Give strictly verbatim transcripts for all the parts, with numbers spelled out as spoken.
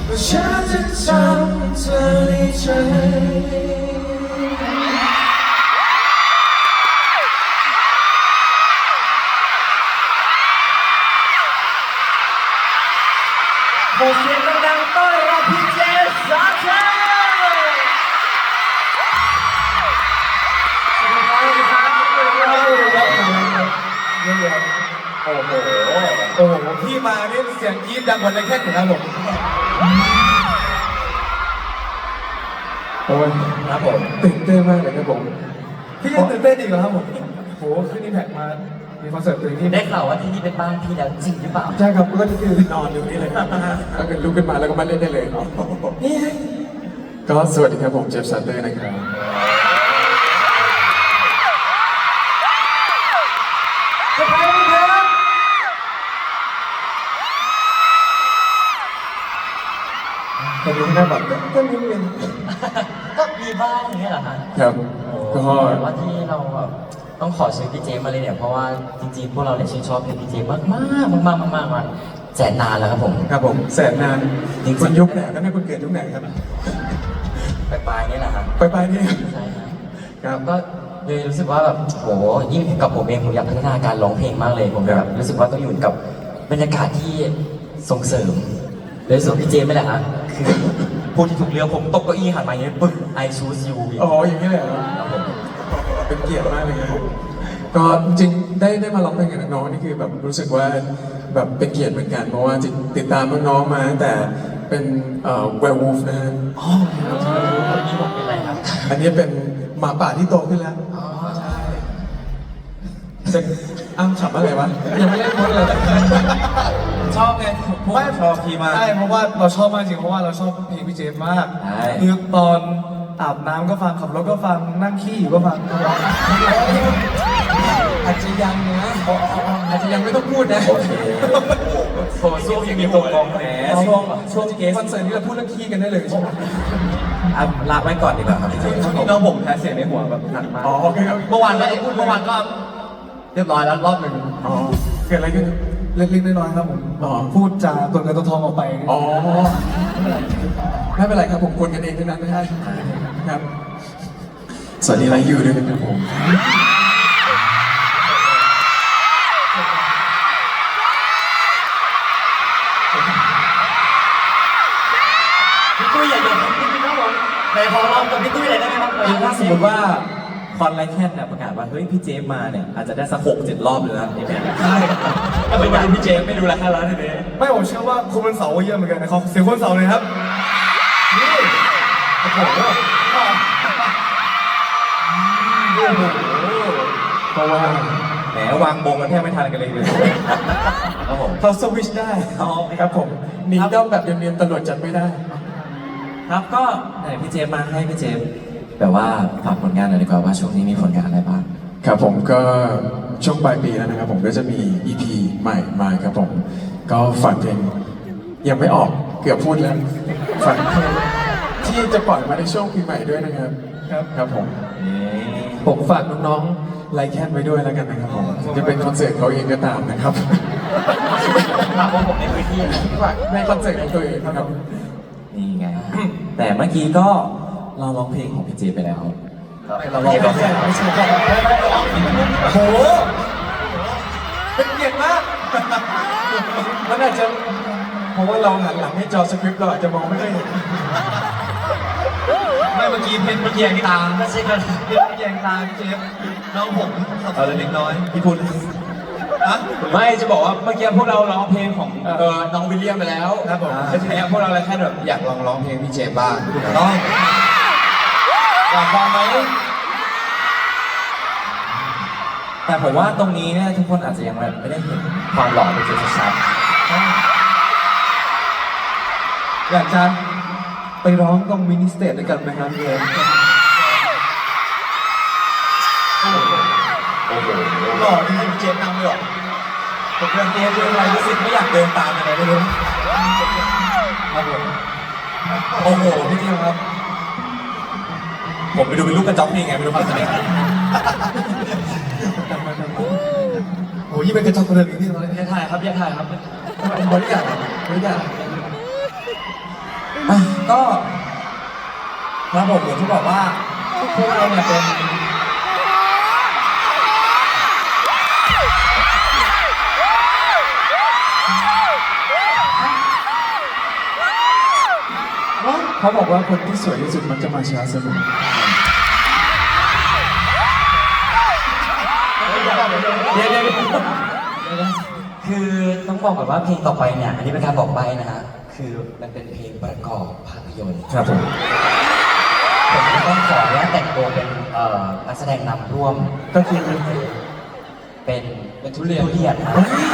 ฉันจะทำเธอในใจขอเสียงดังๆต้อนรับพี่เจสซาเทลสวัสดีครับสวัสดีครับเยี่ยมโอ้โหโอ้โหพี่มานี่เสียงกรี๊ดดังกว่าในแค่ของเราผมโอ้ยครับผมตื่นเต้นมากเลยครับผมพี่ยังตื่นเต้นอีกเหรอครับผมโหขึ้นนี่แพ็กมามีคอนเสิร์ตตื่นที่ได้ข่าวว่าที่นี่เป็นบ้านพี่แล้วจริงหรือเปล่าใช่ครับก็คือนอนอยู่นี่เลยแล้วก็ลุกขึ้นมาแล้วก็มาเล่นได้เลยนี่ก็สวัสดีครับผมเจฟซัตเตอร์นะครับสวัสดีครับตอนนี้หน้าบัตรก็มีเงินก็มีบ้างอย่างเงี้ยเหรอฮะครับก็ว่าที่เราแบบต้องขอชื่อพี่เจมาเลยเนี่ยเพราะว่าจริงๆพวกเราเนี่ยชื่นชอบเพลงพี่เจมากมากมากมากมากมาแสนนานแล้วครับผมครับผมแสนนานจริงคุณยุคไหนก็ไม่คุณเกิดยุคไหนครับปลายปลายนี่แหละครับปลายปลายนี่ใช่ครับก็เลยรู้สึกว่าแบบโหยิ่งกับผมเองผมอยากพัฒนาการร้องเพลงมากเลยผมแบบรู้สึกว่าต้องอยู่กับบรรยากาศที่ส่งเสริมเลยส่วนพี่เจไม่แหละฮะคือพูดที่ถูกเรือผมตกเก้าอี้หันมาอย่างนี้ปึ๊บ I choose you อ๋ออย่างนี้เลยเป็นเกียรติมากเลยครับก็จริงได้ได้มาร้องเพลงกับน้องๆนี่คือแบบรู้สึกว่าแบบเป็นเกียรติเหมือนกันเพราะว่าติดตามน้องๆมาตั้งแต่เป็นเอ่อ werewolf นะฮะอ๋อใช่อันนี้ผมเป็นอะไรครับอันนี้เป็นหมาป่าที่โตขึ้นแล้วอ๋อใช่จะอ้ำฉับอะไรวะยังไม่ได้พูดเลยชอบไงไม่ชอบพี่มากใช่เพราะว่าเราชอบมากจริงเพราะว่าเราชอบเพลงพี่เจมมากคือตอนอาบน้ำก็ฟังขับรถก็ฟังนั่งขี้อยู่ก็ฟังอาจจะยังนะอาจจะยังไม่ต้องพูดนะโอเคโหช่วงยังมีตัวกองแหมช่วงช่วงเกสคอนเสิร์ตนี้เราพูดเรื่องขี้กันได้เลยใช่ไหมอ่ะลากไว้ก่อนดีกว่าครับพี่เจน้องผมแพ้เสียงในหัวแบบหนักมากอ๋อโอเคเมื่อวานก็พูดเมื่อวานก็เรียบร้อยแล้วรอบหนึ่งอ๋อเกิดอะไรขึ้นเล็กๆน้อยๆครับผมพูดจาตัวเงินตัวทองออกไปอ๋อไม่เป็นไรครับผมคนกันเองทั้งนั้นไม่ใช่ครับสวัสดีไลฟ์ยูด้วยนะครับผมพี่ตุ้ยอยากจะพี่ตุ้ยครับผมในขอร้องกับพี่ตุ้ยเลยได้ไหมครับถ้าสมมติว่าคอนไลแคนเนี่ยประกาศว่าเฮ้ยพี่เจมมาเนี่ยอาจจะได้สักหกเจ็ดรอบเลยนะนี่แม่ใช่ก็เป็นการพี่เจมไม่ดูราคาร้านเลยไม่ผมเชื่อว่าคุณเป็นเสาเยอะเหมือนกันนะครับเสียงคนเสาเลยครับนี่โอ้โหเพราะว่าแหมวางบงกันแทบไม่ทันกันเลยครับผมเขาสวิชได้ครับผมหนีด้อมแบบเนียนๆตำรวจจับไม่ได้ครับก็ไหนพี่เจมมาให้พี่เจมแบบว่าฝากผลงานหน่อยดีกว่าว่าช่วงนี้มีผลงานอะไรบ้างครับผมก็ช่วงปลายปีแล้วนะครับผมก็จะมี อี พี ใหม่มาครับผมก็ฝากเพลงยังไม่ออกเกือบพูดแล้วฝากเพลงที่จะปล่อยมาในช่วงปีใหม่ด้วยนะครับครับครับผมผมฝากน้องๆไลค์แคนไว้ด้วยแล้วกันนะครับผมจะเป็นคอนเสิร์ตเขาเองก็ตามนะครับฝากว่าผมในพื้นที่ฝากในคอนเสิร์ตของตัวเองนะครับนี่ไงแต่เมื่อกี้ก็เราร้องเพลงของพี่เจไปแล้วเราร้องเพลงไม่ใช่โหเป็นเกียรติมากมันอาจจะเพราะว่าเราหันหลังให้จอสคริปต์เราอาจจะมองไม่ค่อยเห็นไม่เมื่อกี้เพนเมื่อกี้ยังตาไม่ใช่กันเพนเมื่อกี้ยังตาพี่เจฟน้องผมเอาเล็กน้อยพี่พูดไม่จะบอกว่าเมื่อกี้พวกเราร้องเพลงของเออน้องวิลเลียมไปแล้วครับผมแล้วทีนี้พวกเราเลยแค่แบบอยากลองร้องเพลงพี่เจบ้างน้องอยากฟังไหมแต่ผมว่าตรงนี้เนี่ยทุกคนอาจจะยังไม่ได้เห็นความหล่อเป็นจุดชัดอยากจะไปร้องตรงมินิสเตจด้วยกันไหมครับเลยโอ้โหหล่อที่เจมนำเลยหรอผมเดินเจมเดินอะไรรู้สึกไม่อยากเดินตามอะไรไม่รู้ครับผมโอ้โหพี่เจมครับผมไปดูเป็นลูกกระจอกนี่ไงไม่รู้ความสนิทโอ้ยยิ่งเป็นกระจอกกระเดินอีกที่ตอนนี้อย่าถ่ายครับอย่าถ่ายครับบริการบริการก็ครับผมอย่างที่บอกว่าพวกเราเนี่ยเป็นเขาบอกว่าคนที่สวยที่สุดมันจะมาช้าเสมอเดี๋ยวเดี๋ยวคือต้องบอกก่อนว่าเพลงต่อไปเนี่ย อันนี้เป็นการบอกใบนะฮะ คือมันเป็นเพลงประกอบภาพยนตร์ครับผมผมก็ต้องขออนุญาตแต่งตัวเป็นเอ่อนักแสดงนำร่วมก็คือเป็นเป็นทุเรียนทุเรียนนะ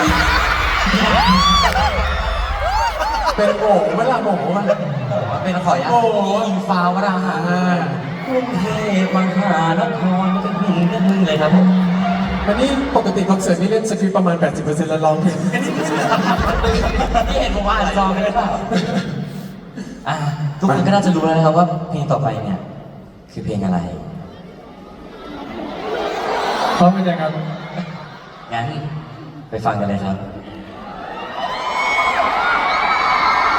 เป็นโง่เวลาโง่มันเป็นขออนุญาตโอ้โหอิงฟ้าวราหะกรุงเทพมหานครเป็นหนึ่งเรื่องหนึ่งเลยครับผมอันนี้ปกติคอนเสิร์ตนี่เล่นสคริปต์ประมาณ แปดสิบเปอร์เซ็นต์ แล้วร้องเพลงนี่เห็นผมว่าอ่านซองกันหรือเปล่าอ่ะทุกคนก็น่าจะรู้แล้วนะครับว่าเพลงต่อไปเนี่ย คือเพลงอะไรพร้อมเป็นยังไงงั้นไปฟังกันเลยครับ